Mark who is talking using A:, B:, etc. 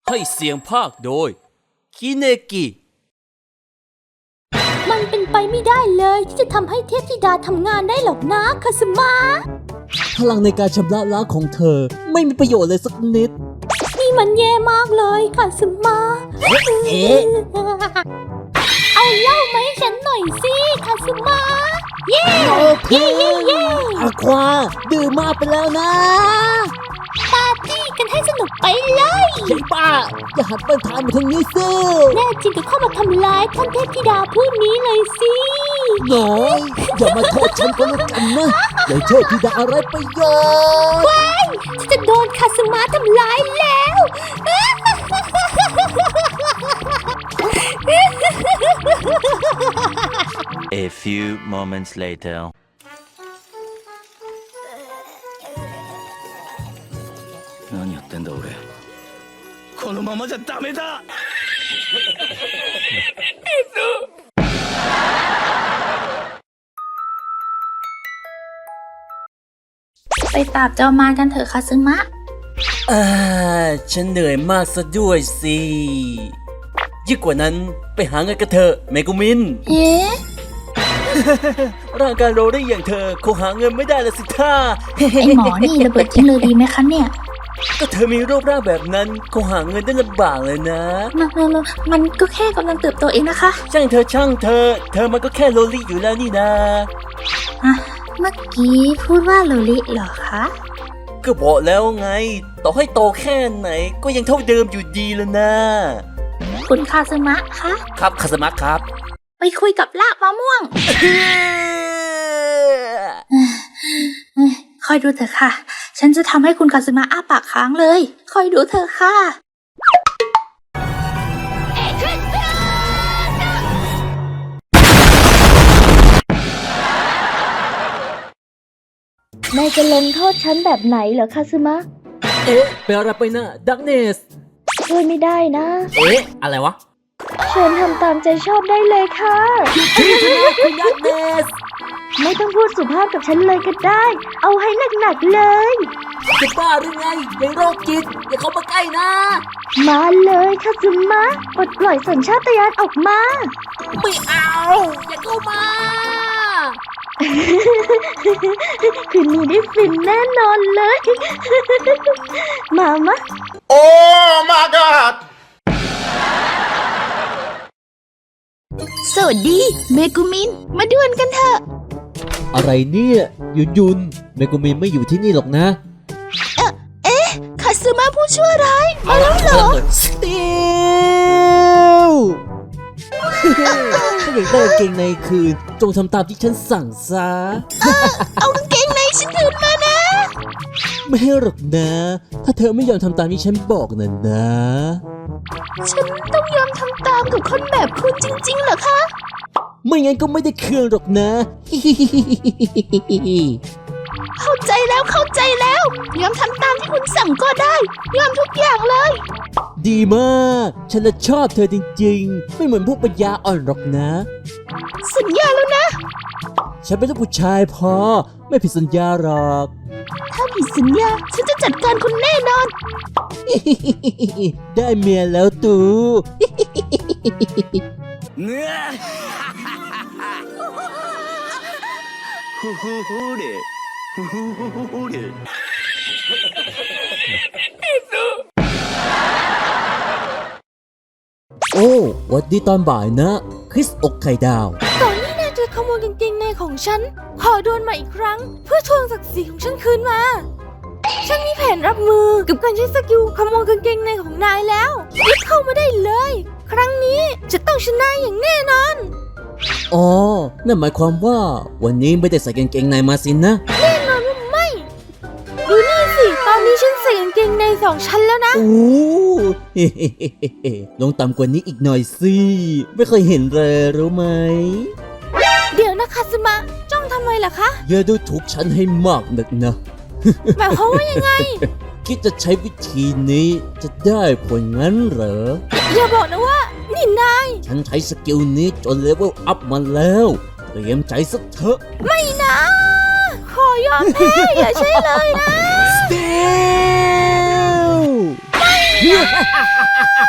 A: ให้เสียงภาคโดยคิเนกิ
B: มันเป็นไปไม่ได้เลยที่จะทำให้เทพธิดาทำงานได้หรอกนะคาสมะ
C: พลังในการชำระล้างของเธอไม่มีประโยชน์เลยสักนิด
B: นี่มันแย่มากเลยคาสมะ
C: เอ๊ะ
B: เอาเหล้ามาให้ฉันหน่อยสิคาสมะเย่
C: โอเคอาควาดื่มมากไปแล้วนะ
B: ปาร์ตี้กันให้สนุกไปเลย
C: ใช่ป้าอย่าหันปัญหามาทางนี้สิ
B: แน่จริงก็เข้ามาทำร้ายท่านเทพธิดาผู้นี้เลยสิ
C: น้อยอย่ามาโทษฉันก็แล้วกันนะอย่าเทพธิดาอะไรประโยชน์
B: ฉันจะโดนคาสมะทำร้ายแล้ว
D: A few moments later.
E: 何やってんだ俺このままじゃダメだ
F: ไปปราบจอมารกันเถอะคาซึมะ
A: ฉันเหนื่อยมากซะด้วยสิยิ่งกว่านั้นไปหาเงินกันเถอะเมกุมิน
F: เอ๊ะ
A: ร่างกายโรได้อย่างเธอคงหาเงินไม่ได้ละสิท่า
F: ไอหมอนี่ระเบิดทิ้งเลยดีไหมคะเนี่ย
A: ก็เธอมีรูปร่างแบบนั้นคงหาเงินได้ลำบากเลยนะ
F: มันก็แค่กำลังเติบโตเองนะคะ
A: ช่างเธอเธอมันก็แค่โลลี่อยู่แล้วนี่นะ
F: อ่ะ เมื่อกี้พูดว่าโลลิเหรอคะ
A: ก็บอกแล้วไง ต่อให้โตแค่ไหนก็ยังเท่าเดิมอยู่ดีแล้วนะ
F: คุณคาซึมะคะ
A: ครับคาสมะครับ
F: ไปคุยกับลากมะม่วง คอยดูเถอะค่ะ ฉันจะทำให้คุณคาซึมะอ้าปากค้างเลย คอยดูเถอะค่ะ
B: นายจะลงโทษฉันแบบไหนเหรอคาซึมะ
C: เอ๊ะไปอะไรไปนะดักเนส
B: ช่วยไม่ได้นะ
A: เอ๊ะอะไรวะ
B: เชิญทำตามใจชอบได้เลยค่ะ
C: คุณดักเนส
B: ไม่ต้องพูดสุภาพกับฉันเลยก็ได้ เอาให้หนักๆเลย
C: จะบ้าหรือไงยายโรคจิตอย่าเข้ามาใกล้นะ
B: มาเลยคาซึมะปลดปล่อยสัญชาตญาณออกมา
C: ไม่เอาอย่าเข้ามา
B: คืนนี้ได้ฟินแน่นอนเลย มามะ
G: Oh my god!
B: สวัสดีเมกุมิน มาดวลกันเถอะ
C: อะไรเนี่ยยุนเมกุมินไม่อยู่ที่นี่หรอกนะ
B: คาซึมะผู้ชั่วร้ายมาแล้วเหรอ
C: สติลถ้าอยากได้กางเกงในคืนจงทำตามที่ฉันสั่งซะ
B: เอากางเกงในฉันคืนมานะ
C: ไม่ให้หรอกนะ ถ้าเธอไม่ยอมทำตามที่ฉันบอกน่ะนะ
B: ฉันต้องยอมทำตามกับคนแบบคุณจริงๆเหรอคะ
C: ไม่งั้นก็ไม่ได้เครื่องหรอกนะ
B: เข้าใจแล้วยอมทำตามที่คุณสั่งก็ได้ ยอมทุกอย่างเลย
C: ดีมาก ฉันน่ะชอบเธอจริงๆ ไม่เหมือนพวกปัญญาอ่อนหรอกนะ
B: สัญญาแล้วนะ
C: ฉันเป็นลูกผู้ชายพอ ไม่ผิดสัญญาหรอก
B: ถ้าผิดสัญญา ฉันจะจัดการคุณแน่นอน
C: ได้เมียแล้วตู
E: ふふふれふふふれ
C: โอ้หวัดดีตอนบ่ายนะ คริสอกไข่ดาว
B: ตอนนี้นายจะขโมยกางเกงในของฉัน ขอโดนมาอีกครั้ง เพื่อทวงศักดิ์ศรีของฉันคืนมา ฉันมีแผนรับมือกับการใช้สกิลขโมยกางเกงในของนายแล้วรีบเข้ามาได้เลย ครั้งนี้จะต้องชนะอย่างแน่นอน
C: อ๋อ นั่นหมายความว่าวันนี้ไม่ได้ใส่กางเกงในมาสินะ
B: แน่นอนว่าไม่ ดูนี่สิ ตอนนี้ฉันใส่กางเกงใน2 ชั้นแล้วนะ
C: โอ้ ลงต่ำกว่านี้อีกหน่อยสิ ไม่เคยเห็นเลยรู้ไหม
B: เดี๋ยวนะคาซึมะ จ้องทำไมล่ะคะ
C: อย่าดูถูกฉันให้มากนักนะ
B: หมายความว่ายังไง
C: คิดจะใช้วิธีนี้จะได้ผลงั้นเหรอ
B: อย่าบอกนะว่า นี่นาย
C: ฉันใช้สกิลนี้จนเลเวลอัพมาแล้ว เตรียมใจสักเถอะ
B: ไม่นะ ขอยอมแพ้อย่าใช่เลยนะ
C: Still ฮ่า